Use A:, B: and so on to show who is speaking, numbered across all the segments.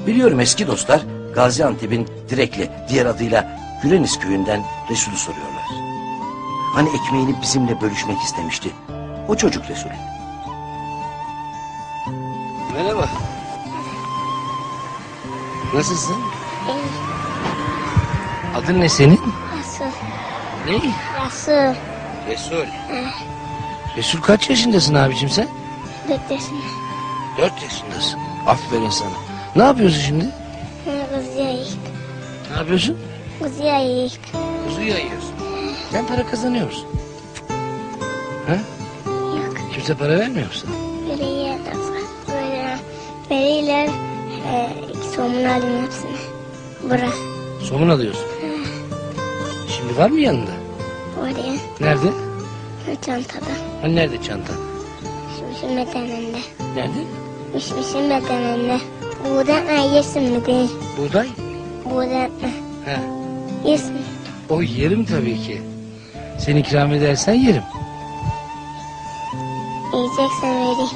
A: Biliyorum eski dostlar Gaziantep'in Direkli, diğer adıyla Güleniz köyünden Resul'ü soruyorlar. Hani ekmeğini bizimle bölüşmek istemişti. O çocuk Resul.
B: Merhaba. Nasılsın?
C: İyi.
B: Adın ne senin?
C: Resul.
B: Ne?
C: Resul.
B: Resul. Resul kaç yaşındasın abicim sen?
C: 4 yaşında.
B: 4 yaşındasın. Aferin sana. Ne yapıyorsun şimdi?
C: Kuzuya yiyik.
B: Ne yapıyorsun?
C: Kuzuya yiyik.
B: Kuzu yayıyorsun. Sen para kazanıyor musun? Ha?
C: Yok.
B: Kimse para vermiyor musun?
C: Veriye de böyle veriler somun alayım hepsini. Bura.
B: Somun alıyorsun. Şimdi var mı yanında?
C: Oraya.
B: Nerede?
C: Çantada.
B: Hani nerede çantan?
C: Mişmişin bedeninde.
B: Nerede?
C: Mişmişin bedeninde. Buradan yesin mi değil?
B: Buğday.
C: Buradan
B: Ha.
C: yesin.
B: O yerim tabii ki. Sen ikram edersen yerim.
C: Yiyeceksen vereyim.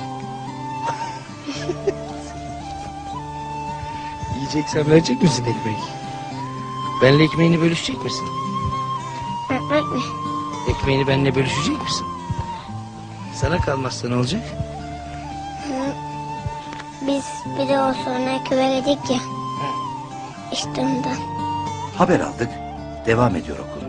B: Yiyeceksen verecek misin ekmek? Benle ekmeğini bölüşecek misin?
C: Ekmek mi?
B: Ekmeğini benimle bölüşecek misin? Sana kalmazsa ne olacak?
C: Biz bir de o sonra köye gittik ya. İşte ondan.
A: Haber aldık, devam ediyor okul.